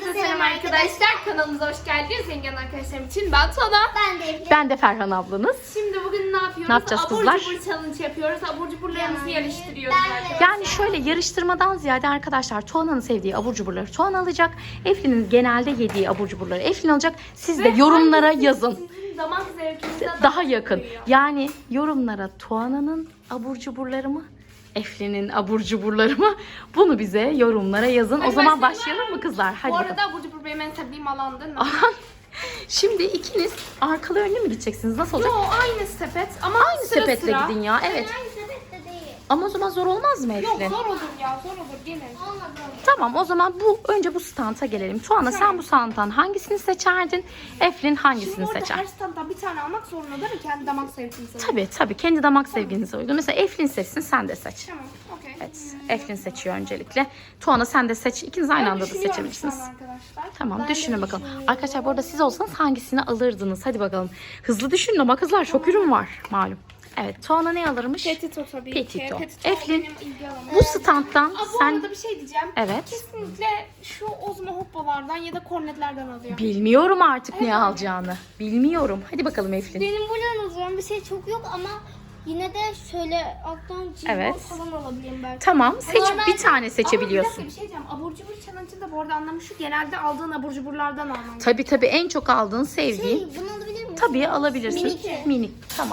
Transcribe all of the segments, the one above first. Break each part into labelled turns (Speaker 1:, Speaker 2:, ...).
Speaker 1: Herkese selam arkadaşlar. Kanalımıza hoş geldiniz. Zengin arkadaşlarım için ben Tuana.
Speaker 2: Ben de Ferhan ablanız.
Speaker 1: Şimdi bugün ne yapıyoruz?
Speaker 2: Ne yapacağız kızlar?
Speaker 1: Abur cubur challenge yapıyoruz. Abur cuburlarımızı yarıştırıyoruz arkadaşlar.
Speaker 2: Yani şöyle yarıştırmadan ziyade arkadaşlar Tuana'nın sevdiği abur cuburları Tuana alacak. Eflin'in genelde yediği abur cuburları Eflin alacak. Siz de yorumlara
Speaker 1: hangisi
Speaker 2: yazın.
Speaker 1: Sizin damak zevkinize
Speaker 2: Daha yakın. Yani yorumlara Tuana'nın abur cuburları mı? Eflin'in abur cuburları mı? Bunu bize yorumlara yazın.
Speaker 1: Hadi
Speaker 2: O zaman
Speaker 1: başlayalım.
Speaker 2: başlayalım mı kızlar? Hadi
Speaker 1: Bu
Speaker 2: bakalım.
Speaker 1: arada abur cubur benim en sevdiğim alandır.
Speaker 2: Şimdi ikiniz arkalı önlü mü gideceksiniz? Nasıl olacak?
Speaker 1: Yo, aynı sepet ama
Speaker 2: Aynı
Speaker 1: sıra
Speaker 2: sepetle
Speaker 1: sıra.
Speaker 2: gidin ya. Evet. Ama o zaman zor olmaz mı
Speaker 1: Yok,
Speaker 2: Eflin?
Speaker 1: zor olur ya, zor olur. Gelin.
Speaker 2: Tamam, o zaman önce bu standa gelelim. Tuana sen bu standtan hangisini seçerdin? Eflin hangisini
Speaker 1: Şimdi orada
Speaker 2: seçer?
Speaker 1: her standdan bir tane almak zorunda değil mi? Kendi damak zevkinize.
Speaker 2: Tabii kendi damak sevginize uygun. Mesela Eflin seçsin, sen de seç.
Speaker 1: Tamam, okey.
Speaker 2: Evet, Eflin seçiyor öncelikle. Tuana sen de seç. İkiniz aynı anda da
Speaker 1: Düşünüyorum
Speaker 2: seçebilirsiniz.
Speaker 1: şu an arkadaşlar.
Speaker 2: Tamam, düşünün bakalım. Arkadaşlar bu arada siz olsanız hangisini alırdınız? Hadi bakalım. Hızlı düşünün ama kızlar çok ürün var malum. Evet, Tuana ne alırmış?
Speaker 1: Petito tabii
Speaker 2: Petito.
Speaker 1: ki. Petito
Speaker 2: Eflin,
Speaker 1: benim ilgi alanım.
Speaker 2: Bu standtan
Speaker 1: Bu
Speaker 2: sen...
Speaker 1: arada bir şey diyeceğim.
Speaker 2: Evet.
Speaker 1: Kesinlikle şu Ozmo Hoppo'lardan ya da kornetlerden alıyor.
Speaker 2: Bilmiyorum artık ne alacağını. Bilmiyorum. Hadi bakalım Eflin.
Speaker 3: Benim buradan alacağım bir şey çok yok ama yine de şöyle alttan cibon
Speaker 2: Evet.
Speaker 3: falan alabilirim belki.
Speaker 2: Tamam, seç
Speaker 3: Normal-
Speaker 2: bir tane
Speaker 1: Ama bir
Speaker 2: seçebiliyorsun.
Speaker 1: dakika, bir şey diyeceğim. Abur cubur challenge'ın da bu arada anlamı şu. Genelde aldığın abur cuburlardan alman.
Speaker 2: Tabii en çok aldığın, sevdiğin.
Speaker 3: Bunu alabilir miyim?
Speaker 2: Tabii alabilirsin.
Speaker 3: Minik.
Speaker 2: Minik. Tamam.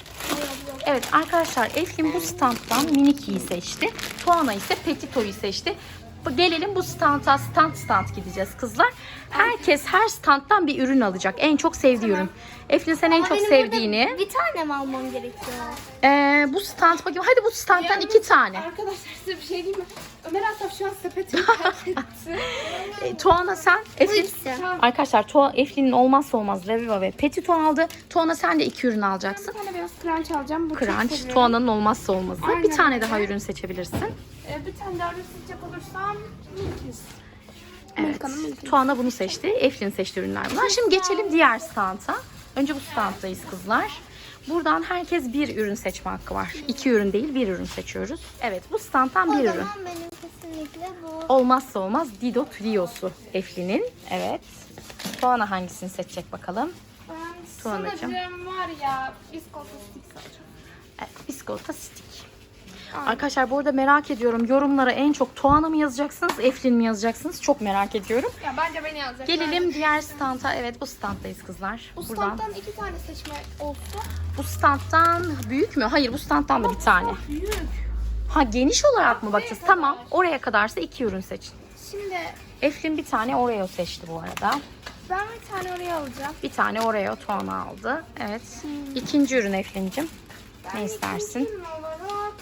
Speaker 2: Evet arkadaşlar Eflin bu standtan Miniki'yi seçti. Tuana ise Petito'yu seçti. Gelelim bu standa stand gideceğiz kızlar. Herkes her standtan bir ürün alacak. En çok sevdiği ürün. Eflin sen en
Speaker 3: Ama
Speaker 2: çok
Speaker 3: benim
Speaker 2: sevdiğini.
Speaker 3: burada bir tane mi almam gerekiyor?
Speaker 2: Bu stand bakayım. Hadi bu standtan 2 tane.
Speaker 1: Arkadaşlar size bir şey diyeyim mi? Ömer Asaf şu an sepetini terk etti.
Speaker 2: Tuana sen. Eflin.
Speaker 3: ikisi.
Speaker 2: Arkadaşlar Eflin'in olmazsa olmaz Reviva ve Petito aldı. Tuana sen de 2 ürün alacaksın.
Speaker 1: Bir tane beyaz crunch alacağım. Bu çok
Speaker 2: Crunch,
Speaker 1: seviyorum.
Speaker 2: Tuana'nın olmazsa olmazı.
Speaker 1: Aynen
Speaker 2: Bir tane
Speaker 1: öyle.
Speaker 2: daha ürün seçebilirsin.
Speaker 1: Bir tane daha seçecek olursam Milkis.
Speaker 2: Evet.
Speaker 1: Milka'nın Milkis.
Speaker 2: Tuana bunu seçti. Eflin seçti ürünler bunlar. Şimdi geçelim diğer standa. Önce bu standdayız kızlar. Buradan herkes bir ürün seçme hakkı var. 2 ürün değil, bir ürün seçiyoruz. Evet, bu standtan bir
Speaker 3: O
Speaker 2: ürün.
Speaker 3: zaman benim kesinlikle bu.
Speaker 2: Olmazsa olmaz Dido Trio'su Eflin'in. Evet. Tuana hangisini seçecek bakalım.
Speaker 1: Ben
Speaker 2: Tuanacığım.
Speaker 1: sanırım var ya biskolata sticks alacağım.
Speaker 2: Evet, biskolata stick. Arkadaşlar bu arada merak ediyorum. Yorumlara en çok Tuana mı yazacaksınız, Eflin mi yazacaksınız? Çok merak ediyorum.
Speaker 1: Ya bence beni yazacak.
Speaker 2: Gelelim diğer standa. Evet, bu standdayız kızlar.
Speaker 1: Bu
Speaker 2: Buradan.
Speaker 1: standtan 2 tane seçme olsa.
Speaker 2: Bu standtan büyük mü? Hayır, bu standtan da bir tane.
Speaker 1: Büyük.
Speaker 2: Ha, geniş olarak mı bakacağız? Tamam. Oraya kadarsa 2 ürün seçin.
Speaker 1: Şimdi
Speaker 2: Eflin bir tane Oreo seçti bu arada.
Speaker 1: ben bir tane oraya alacağım.
Speaker 2: Bir tane Oreo Tuana aldı. Evet. İkinci ürün Eflin'cim. Ne istersin?
Speaker 1: İkinci ürün olarak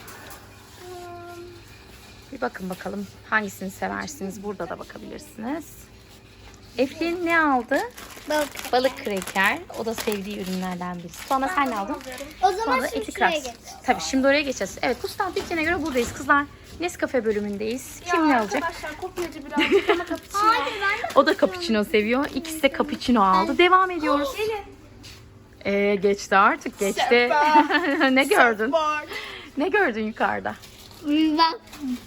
Speaker 2: Bir bakın bakalım hangisini seversiniz. Burada da bakabilirsiniz. Eflin ne aldı?
Speaker 3: Balık.
Speaker 2: Balık kreker. O da sevdiği ürünlerden birisi. Tuana sen ne aldın?
Speaker 3: O zaman
Speaker 2: Tuana da
Speaker 3: şimdi
Speaker 2: eti
Speaker 3: şuraya
Speaker 2: crust.
Speaker 3: geç.
Speaker 2: Tabii şimdi oraya geçeceğiz. Evet, bu stand bittiğine göre buradayız kızlar. Nescafe bölümündeyiz. Kim ne alacak?
Speaker 1: Arkadaşlar kopyacı birazcık ama cappuccino.
Speaker 3: Hayır ben de
Speaker 2: O da cappuccino seviyor. İkisi de cappuccino aldı. Devam ediyoruz.
Speaker 1: Gelin.
Speaker 2: Geçti artık geçti. Ne gördün? Ne gördün yukarıda?
Speaker 3: ben.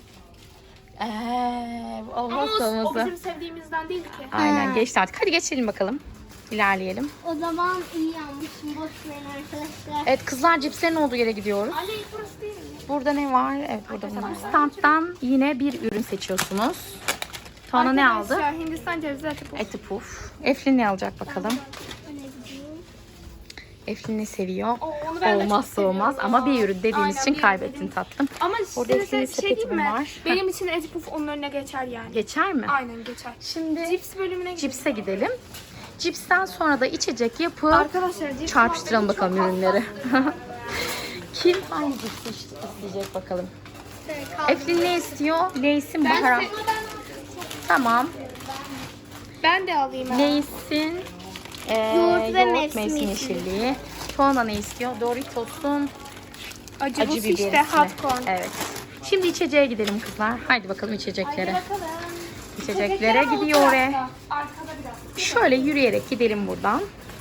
Speaker 1: Ama
Speaker 2: Olmazsa
Speaker 1: o
Speaker 2: olmazsa.
Speaker 1: bizim sevdiğimizden değil ki.
Speaker 2: Aynen geçti artık. Hadi geçelim bakalım. İlerleyelim.
Speaker 3: O zaman iyi yanmışım. Boş verin arkadaşlar.
Speaker 2: Evet kızlar, cipslerin olduğu yere gidiyoruz.
Speaker 1: Ali burası değil mi?
Speaker 2: Burada ne var? Evet, burada bunlar. Standtan yine bir ürün seçiyorsunuz. Tuana ne aldı?
Speaker 1: Arkadaşlar, Hindistan cevizi eti puf.
Speaker 2: Eti puf. Eflin ne alacak bakalım?
Speaker 3: Öne gideyim.
Speaker 2: Eflin ne seviyor?
Speaker 1: Onu ben de çok
Speaker 2: Olmazsa
Speaker 1: seviyorum.
Speaker 2: olmaz ama bir ürün dediğimiz
Speaker 1: Aynen,
Speaker 2: için
Speaker 1: bir
Speaker 2: kaybettin
Speaker 1: ürün.
Speaker 2: tatlım.
Speaker 1: Ama
Speaker 2: Orada
Speaker 1: size
Speaker 2: Eflin'in
Speaker 1: bir şey
Speaker 2: sepeti
Speaker 1: diyeyim mi?
Speaker 2: var.
Speaker 1: Benim için eti puf onun önüne geçer yani.
Speaker 2: Geçer mi?
Speaker 1: Aynen geçer.
Speaker 2: Şimdi
Speaker 1: Cips bölümüne gidelim.
Speaker 2: cipse gidelim. Cipsten sonra da içecek yapıp
Speaker 1: Arkadaşlar cips
Speaker 2: çarpıştıralım
Speaker 1: muhabbeti
Speaker 2: bakalım
Speaker 1: çok
Speaker 2: ürünleri.
Speaker 1: hassas.
Speaker 2: Kim hangi cipsi isteyecek bakalım.
Speaker 3: Kaldı.
Speaker 2: Eflin ne istiyor? Lay's'in
Speaker 1: Ben,
Speaker 2: baharat.
Speaker 1: ben,
Speaker 2: Tamam.
Speaker 1: de alayım. ha.
Speaker 2: Lay's'in
Speaker 3: Yoğurt ve
Speaker 2: yoğurt
Speaker 3: mevsim
Speaker 2: mevsim yeşilliği. Tuana ne istiyor? Doritos'un
Speaker 1: Acı,
Speaker 2: acı
Speaker 1: bu
Speaker 2: biberi.
Speaker 1: işte hot corn.
Speaker 2: Evet. Şimdi içeceğe gidelim kızlar. Haydi bakalım
Speaker 1: Hadi
Speaker 2: içeceklere.
Speaker 1: bakalım.
Speaker 2: İçeceklere
Speaker 1: ama o
Speaker 2: gidiyor oraya.
Speaker 1: tarafta. Arkada biraz.
Speaker 2: Şöyle yürüyerek gidelim buradan.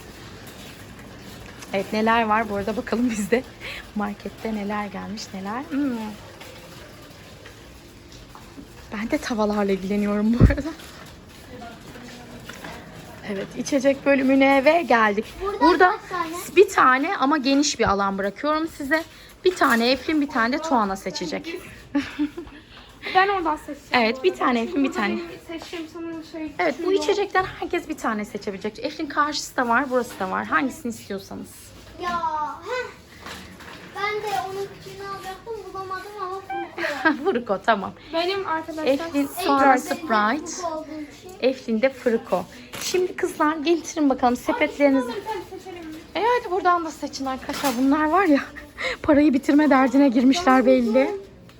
Speaker 2: Evet, neler var bu arada bakalım bizde. Markette neler gelmiş neler. Ben de tavalarla ilgileniyorum bu arada. Evet, içecek bölümüne ve geldik. Burada
Speaker 3: kaç tane?
Speaker 2: bir tane ama geniş bir alan bırakıyorum size. Bir tane Eflin, bir tane de Tuana seçecek.
Speaker 1: Ben oradan seçeceğim.
Speaker 2: Evet, bir tane Eflin, bir tane.
Speaker 1: Benim seçtiğim sanırım şey.
Speaker 2: Evet, bu
Speaker 1: yok.
Speaker 2: içecekten herkes bir tane seçebilecek. Eflin karşısı da var, burası da var. Hangisini istiyorsanız.
Speaker 3: Ya heh. Ben de onun küçüğünü alacaktım bulamadım ama Furko.
Speaker 2: Fırko, tamam.
Speaker 1: Benim arkadaşlar.
Speaker 2: Eflin sonra
Speaker 3: En
Speaker 2: Sprite.
Speaker 3: Furko olduğu için.
Speaker 2: Eflin de Fırko. Şimdi kızlar getirin bakalım sepetlerinizi.
Speaker 1: Bir tane seçelim.
Speaker 2: Hadi buradan da seçin arkadaşlar. Bunlar var ya parayı bitirme derdine girmişler belli.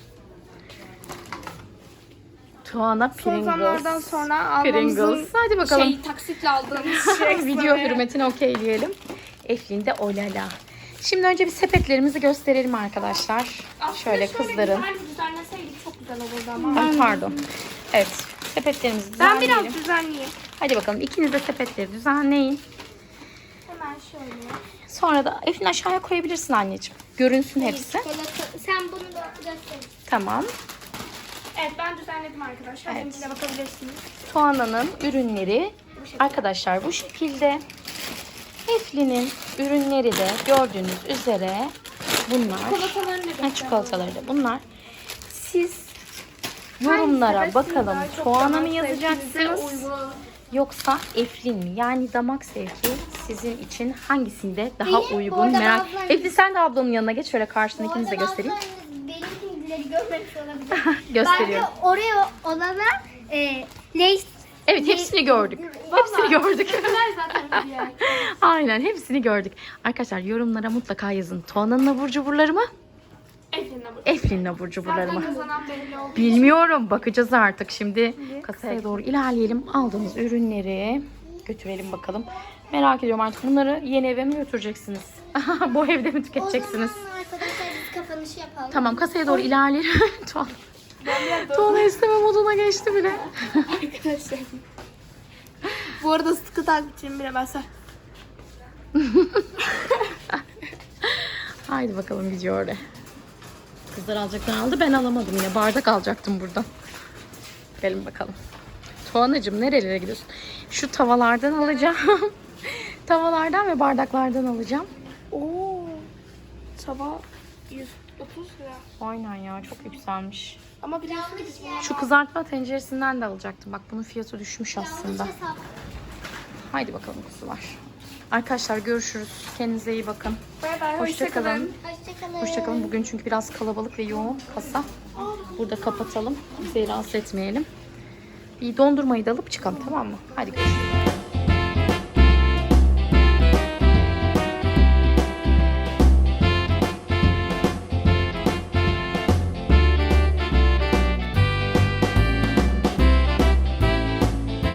Speaker 2: Tuana
Speaker 1: Son zamanlardan
Speaker 2: Pringles.
Speaker 1: sonra aldığımızın
Speaker 2: Pringles. Hadi bakalım.
Speaker 1: taksitle aldığımız şey.
Speaker 2: Video hürmetine okeyleyelim. Eflin de Olala. Şimdi önce bir sepetlerimizi gösterelim arkadaşlar. Şöyle kızların.
Speaker 1: Güzel düzenleseydik çok güzel olurdu ama.
Speaker 2: Ay, pardon. Evet. Sepetlerimizi
Speaker 1: Ben
Speaker 2: düzenleyelim.
Speaker 1: biraz düzenleyeyim.
Speaker 2: Hadi bakalım ikiniz de sepetleri düzenleyin.
Speaker 1: Hemen şöyle.
Speaker 2: Sonra da Eflin aşağıya koyabilirsin anneciğim. Görünsün hepsi.
Speaker 3: Çikolata. Sen bunu da göster.
Speaker 2: Tamam.
Speaker 1: Evet ben düzenledim arkadaşlar.
Speaker 2: Evet.
Speaker 1: Benimkine bakabilirsiniz.
Speaker 2: Tuana'nın ürünleri arkadaşlar bu şekilde. Eflin'in ürünleri de gördüğünüz üzere bunlar.
Speaker 1: Çikolatalarını da göster.
Speaker 2: Çikolataları da bunlar. Siz yorumlara
Speaker 1: Hangisi
Speaker 2: bakalım
Speaker 1: daha çok
Speaker 2: Tuana mı
Speaker 1: damak
Speaker 2: yazacaksınız
Speaker 1: zevkinize uygun?
Speaker 2: yoksa Eflin mi? Yani damak zevki sizin için hangisinde daha
Speaker 3: Benim
Speaker 2: uygun
Speaker 3: orada
Speaker 2: merak.
Speaker 3: bazılarınız-
Speaker 2: Eflin sen de ablanın yanına geç şöyle karşına
Speaker 3: Bu
Speaker 2: ikinize
Speaker 3: arada
Speaker 2: göstereyim.
Speaker 3: bazılarınız benimkileri görmemiş olabilir.
Speaker 2: Gösteriyorum.
Speaker 3: Bence oraya olanlar Lays.
Speaker 2: Evet hepsini gördük. Hepsini gördük.
Speaker 1: Güzel zaten video.
Speaker 2: Aynen hepsini gördük. Arkadaşlar yorumlara mutlaka yazın. Tuana'nın abur cuburları mı?
Speaker 1: Efendim bu.
Speaker 2: Eflin'in abur cuburları
Speaker 1: Zaten
Speaker 2: mı?
Speaker 1: kazanan belli oldu.
Speaker 2: Bilmiyorum. Bakacağız artık. Şimdi kasaya doğru ilerleyelim. Aldığımız ürünleri götürelim bakalım. Merak ediyorum artık bunları yeni eve mi götüreceksiniz? Bu evde mi tüketeceksiniz?
Speaker 3: O zaman arkadaşlar biz kapanışı yapalım.
Speaker 2: Tamam kasaya doğru ilerleyelim. Tuana isteme moduna geçti bile.
Speaker 1: Arkadaşlar. Bu arada sıkı takipçim bile mesela.
Speaker 2: Haydi bakalım gidiyor oraya. Kızlar alacaklar aldı. Ben alamadım yine. Bardak alacaktım buradan. Gelin bakalım. Tuanacığım nerelere gidiyorsun? Şu tavalardan alacağım. Tavalardan ve bardaklardan alacağım.
Speaker 1: Oo. Sabah 130 lira.
Speaker 2: Aynen ya çok yükselmiş.
Speaker 1: Ama biliyorsunuz biz bunu
Speaker 2: Şu kızartma tenceresinden de alacaktım. Bak bunun fiyatı düşmüş aslında.
Speaker 3: Hesap.
Speaker 2: Haydi bakalım kuzular. Arkadaşlar görüşürüz. Kendinize iyi bakın.
Speaker 1: bay bay.
Speaker 2: Hoşça kalın.
Speaker 3: Hoşçakalın.
Speaker 2: Hoşçakalın. Bugün çünkü biraz kalabalık ve yoğun kasa. Burada kapatalım. Kimseyi rahatsız etmeyelim. Bir dondurmayı da alıp çıkalım tamam mı? Hadi görüşürüz.